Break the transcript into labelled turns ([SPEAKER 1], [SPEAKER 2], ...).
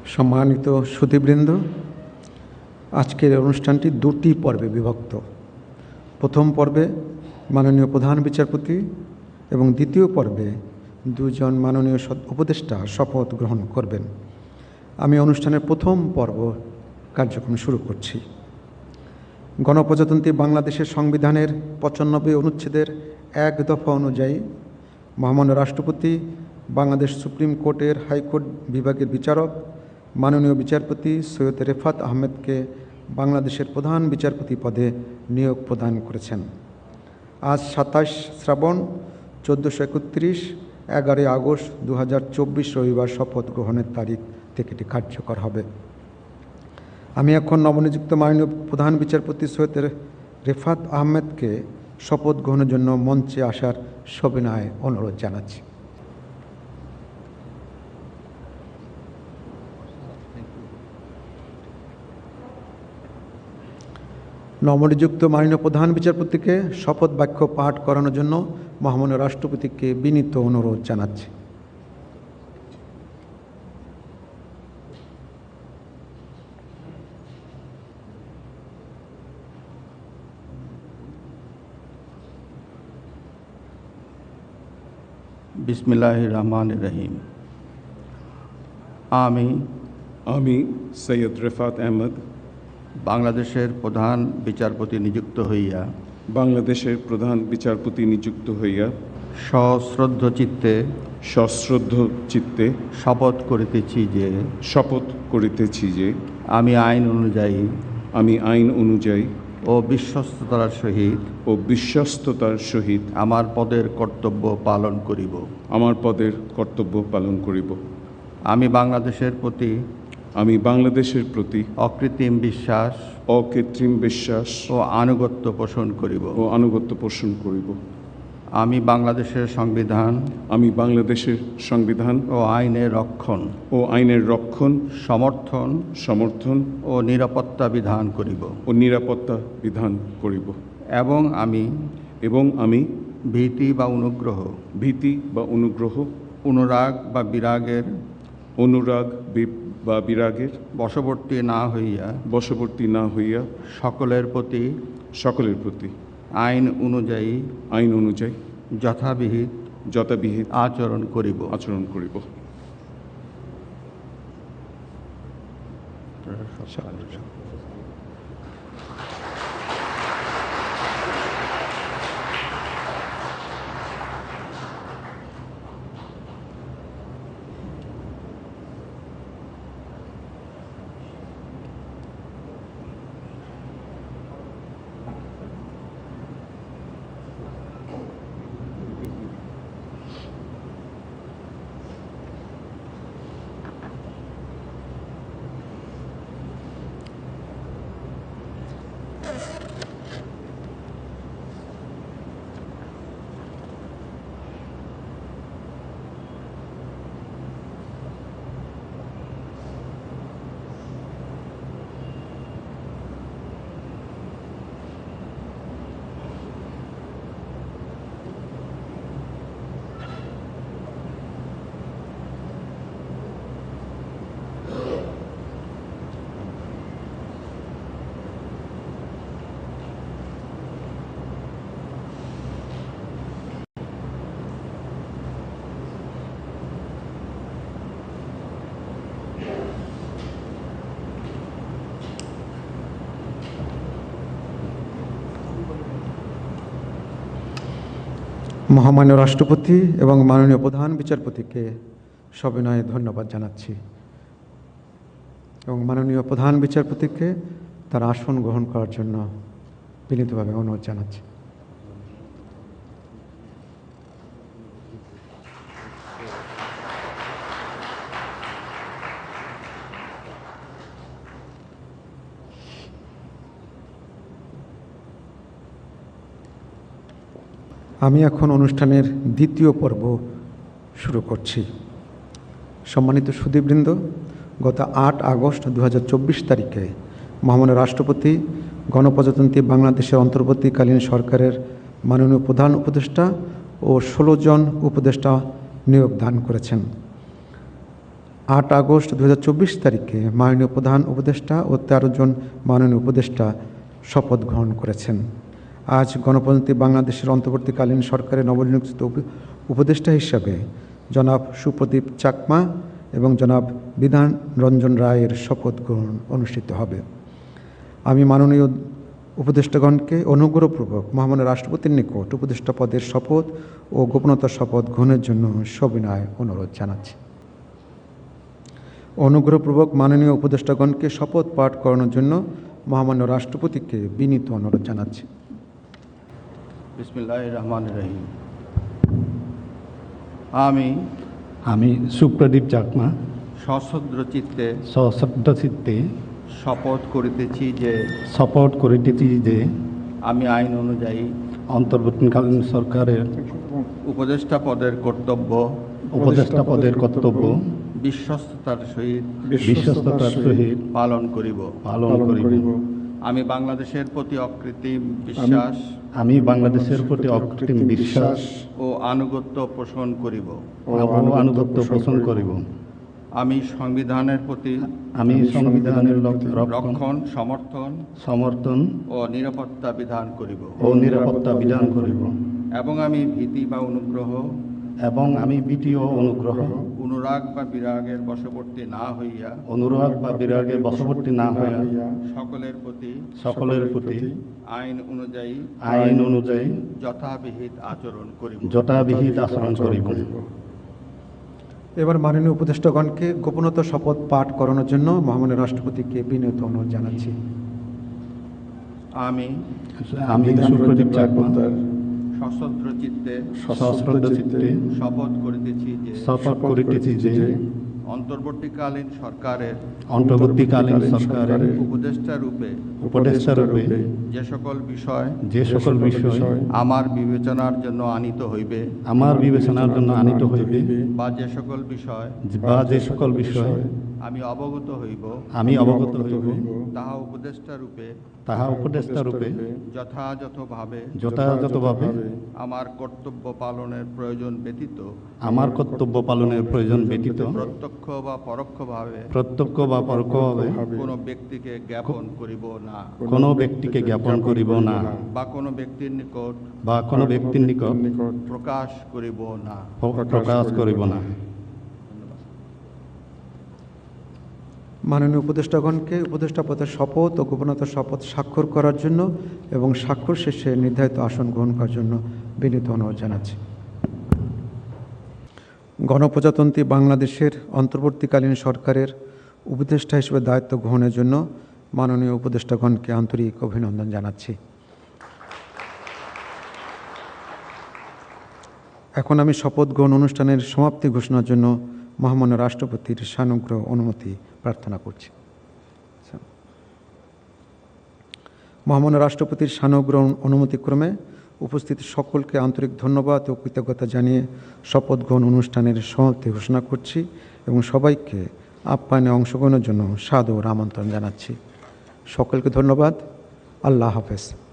[SPEAKER 1] সম্মানিত সুধীবৃন্দ, আজকের অনুষ্ঠানটি দুটি পর্বে বিভক্ত। প্রথম পর্বে মাননীয় প্রধান বিচারপতি এবং দ্বিতীয় পর্বে দুজন মাননীয় উপদেষ্টা শপথ গ্রহণ করবেন। আমি অনুষ্ঠানের প্রথম পর্ব কার্যক্রম শুরু করছি। গণপ্রজাতন্ত্রী বাংলাদেশের সংবিধানের ৯৫ অনুচ্ছেদের ১ দফা অনুযায়ী মহামান্য রাষ্ট্রপতি বাংলাদেশ সুপ্রিম কোর্টের হাইকোর্ট বিভাগের বিচারক মাননীয় বিচারপতি সৈয়দ রেফাত আহমেদকে বাংলাদেশের প্রধান বিচারপতি পদে নিয়োগ প্রদান করেছেন। আজ ২৭ শ্রাবণ ১৪৩১ ১১ আগস্ট ২০২৪ রবিবার শপথ গ্রহণের তারিখ থেকে এটি কার্যকর হবে। আমি এখন নবনিযুক্ত মাননীয় প্রধান বিচারপতি সৈয়দ রেফাত আহমেদকে শপথ গ্রহণের জন্য মঞ্চে আসার সবিনয়ে অনুরোধ জানাচ্ছি। নবনিযুক্ত মাননীয় প্রধান বিচারপতিকে শপথ বাক্য পাঠ করানোর জন্য মহামান্য রাষ্ট্রপতিকে বিনীত অনুরোধ জানাচ্ছি।
[SPEAKER 2] বিসমিল্লাহির রহমানির রহিম। আমি
[SPEAKER 3] সৈয়দ রেফাত আহমেদ
[SPEAKER 2] বাংলাদেশের প্রধান বিচারপতি নিযুক্ত হইয়া সশ্রদ্ধ চিত্তে শপথ করিতেছি যে আমি আইন অনুযায়ী ও বিশ্বস্ততার সহিত আমার পদের কর্তব্য পালন করিব। আমি বাংলাদেশের প্রতি অকৃত্রিম বিশ্বাস ও আনুগত্য পোষণ করিব। আমি বাংলাদেশের সংবিধান ও আইনের রক্ষণ সমর্থন ও নিরাপত্তা বিধান করিব। এবং আমি ভীতি বা অনুগ্রহ অনুরাগ বা বিরাগের বশবর্তী না হইয়া সকলের প্রতি আইন অনুযায়ী যথাবিহিত আচরণ করিব।
[SPEAKER 1] মহামান্য রাষ্ট্রপতি এবং মাননীয় প্রধান বিচারপতিকে সবিনয়ে ধন্যবাদ জানাচ্ছি এবং মাননীয় প্রধান বিচারপতিকে তার আসন গ্রহণ করার জন্য বিনীতভাবে অনুরোধ জানাচ্ছি। আমি এখন অনুষ্ঠানের দ্বিতীয় পর্ব শুরু করছি। সম্মানিত সুধীবৃন্দ, গত ৮ আগস্ট ২০২৪ তারিখে মহামান্য রাষ্ট্রপতি গণপ্রজাতন্ত্রী বাংলাদেশের অন্তর্বর্তীকালীন সরকারের মাননীয় প্রধান উপদেষ্টা ও ১৬ জন উপদেষ্টা নিয়োগ দান করেছেন। 8 আগস্ট 2024 তারিখে মাননীয় প্রধান উপদেষ্টা ও 13 জন মাননীয় উপদেষ্টা শপথ গ্রহণ করেছেন। আজ গণপ্রজাতন্ত্রী বাংলাদেশের অন্তর্বর্তীকালীন সরকারের নবনিযুক্ত উপদেষ্টা হিসাবে জনাব সুপ্রদীপ চাকমা এবং জনাব বিধান রঞ্জন রায়ের শপথ গ্রহণ অনুষ্ঠিত হবে। আমি মাননীয় উপদেষ্টাগণকে অনুগ্রহপূর্বক মহামান্য রাষ্ট্রপতির নিকট উপদেষ্টা পদের শপথ ও গোপনতার শপথ গ্রহণের জন্য সবিনয় অনুরোধ জানাচ্ছি। অনুগ্রহপূর্বক মাননীয় উপদেষ্টাগণকে শপথ পাঠ করানোর জন্য মহামান্য রাষ্ট্রপতিকে বিনীত অনুরোধ জানাচ্ছি।
[SPEAKER 2] বিসমিল্লাহির রহমানির রহিম। আমি
[SPEAKER 4] সুপ্রদীপ চাকমা
[SPEAKER 2] সশ্রদ্ধ চিত্তে
[SPEAKER 4] সশ্রদ্ধ চিত্তে
[SPEAKER 2] শপথ করিতেছি যে আমি আইন অনুযায়ী
[SPEAKER 4] অন্তর্বর্তীকালীন সরকারের
[SPEAKER 2] উপদেষ্টা পদের কর্তব্য বিশ্বস্ততার সহিত পালন করিব। আমি বাংলাদেশের প্রতি অকৃত্রিম বিশ্বাস ও আনুগত্য পোষণ করিব। আমি সংবিধানের প্রতি রক্ষণ সমর্থন ও নিরাপত্তা বিধান করিব। এবং আমি ভীতি বা অনুগ্রহ অনুরাগ বা বিরাগের বশবর্তী না হইয়া সকলের প্রতি আইন অনুযায়ী যথাবিহিত আচরণ করিব।
[SPEAKER 1] এবার মাননীয় উপদেষ্টাগণকে গোপনতা শপথ পাঠ করানোর জন্য মহামান্য রাষ্ট্রপতিকে বিনীত অনুরোধ জানাচ্ছি।
[SPEAKER 2] আমি
[SPEAKER 4] সুপ্রদীপ চাকমা
[SPEAKER 2] সশ্রদ্ধ চিত্তে শপথ করিতেছি যে অন্তর্বর্তীকালীন সরকারের উপদেষ্টা রূপে যে সকল বিষয় আমার বিবেচনার জন্য আনিত হইবে বা যে সকল বিষয় আমি অবগত হইব তাহা উপদেষ্টা রূপে যথাযথভাবে আমার কর্তব্য পালনের প্রয়োজন ব্যতীত প্রত্যক্ষ বা পরোক্ষভাবে কোনো ব্যক্তিকে জ্ঞাপন করিব না বা কোনো ব্যক্তির নিকট প্রকাশ করিব না।
[SPEAKER 1] মাননীয় উপদেষ্টাগণকে উপদেষ্টা পদের শপথ ও গোপনতার শপথ স্বাক্ষর করার জন্য এবং স্বাক্ষর শেষে নির্ধারিত আসন গ্রহণ করার জন্য বিনীত অনুরোধ জানাচ্ছি। গণপ্রজাতন্ত্রী বাংলাদেশের অন্তর্বর্তীকালীন সরকারের উপদেষ্টা হিসেবে দায়িত্ব গ্রহণের জন্য মাননীয় উপদেষ্টাগণকে আন্তরিক অভিনন্দন জানাচ্ছি। এখন আমি শপথ গ্রহণ অনুষ্ঠানের সমাপ্তি ঘোষণার জন্য মহামান্য রাষ্ট্রপতির সানুগ্রহ অনুমতি প্রার্থনা করছি। মহামান্য রাষ্ট্রপতির সানুগ্রহ অনুমতিক্রমে উপস্থিত সকলকে আন্তরিক ধন্যবাদ ও কৃতজ্ঞতা জানিয়ে শপথ গ্রহণ অনুষ্ঠানের সমাপ্তি ঘোষণা করছি এবং সবাইকে আপ্যায়নে অংশগ্রহণের জন্য সাদর আমন্ত্রণ জানাচ্ছি। সকলকে ধন্যবাদ। আল্লাহ হাফেজ।